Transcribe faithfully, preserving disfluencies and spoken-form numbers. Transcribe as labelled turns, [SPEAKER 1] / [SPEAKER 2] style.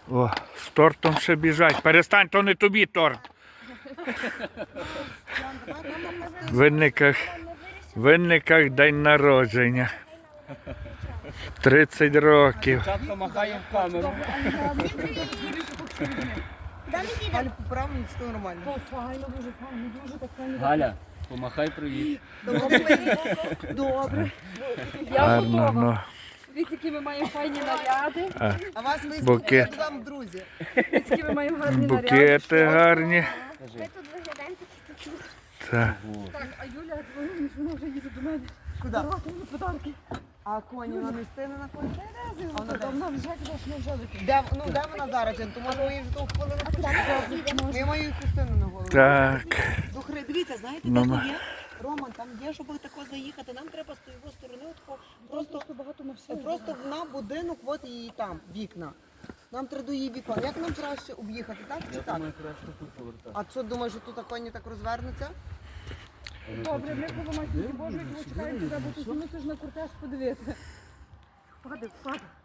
[SPEAKER 1] О, з тортом ще біжать. Перестань, то не тобі торт. В Винниках, в Винниках день народження. тридцять років.
[SPEAKER 2] Чатка махає в камеру.
[SPEAKER 3] Галя, поправимо, все нормально.
[SPEAKER 4] Файно, дуже файно, дуже так файно.
[SPEAKER 2] Галя, помахай привіт.
[SPEAKER 4] Добре. Я
[SPEAKER 1] Гарно,
[SPEAKER 4] готова.
[SPEAKER 1] ну.
[SPEAKER 4] Дивіться, які ми маємо файні наряди.
[SPEAKER 1] А,
[SPEAKER 3] А вас ми
[SPEAKER 1] Букет.
[SPEAKER 3] сподіваємо вам, друзі.
[SPEAKER 4] Дивіться, які ми маємо гарні наряди.
[SPEAKER 1] Букети гарні.
[SPEAKER 5] Ми тут виглядаємо такі такі.
[SPEAKER 1] Так.
[SPEAKER 4] Так, а Юля дзвонить, що вона вже їде до мене.
[SPEAKER 3] Куди?
[SPEAKER 4] Давати мені подарки.
[SPEAKER 3] А коні вона не стине на коні?
[SPEAKER 4] А вона там вона вже казала, що ми вже летимо.
[SPEAKER 3] Де, ну, де вона зараз? То може ми її вже того хвилину почекаємо? Ми маємо їй хустину на голову.
[SPEAKER 1] Так.
[SPEAKER 3] До хри- Дивіться, знаєте,
[SPEAKER 1] Ну,
[SPEAKER 3] де
[SPEAKER 1] ма-
[SPEAKER 3] тут є? Роман, там є, щоб тако заїхати. Нам треба з тієї сторони, отако, просто,
[SPEAKER 4] Просто багато машин.
[SPEAKER 3] просто на будинок, от її там, вікна. Нам треба до її вікон. Як нам краще об'їхати, так чи так?
[SPEAKER 2] краще тут повертати.
[SPEAKER 3] А що, думаєш, що тут коні так розвернуться?
[SPEAKER 4] Добре, ми коло матінки Божої, чекаємо тебе, бо ти мусиш на кортеж подивити. Падай, падай.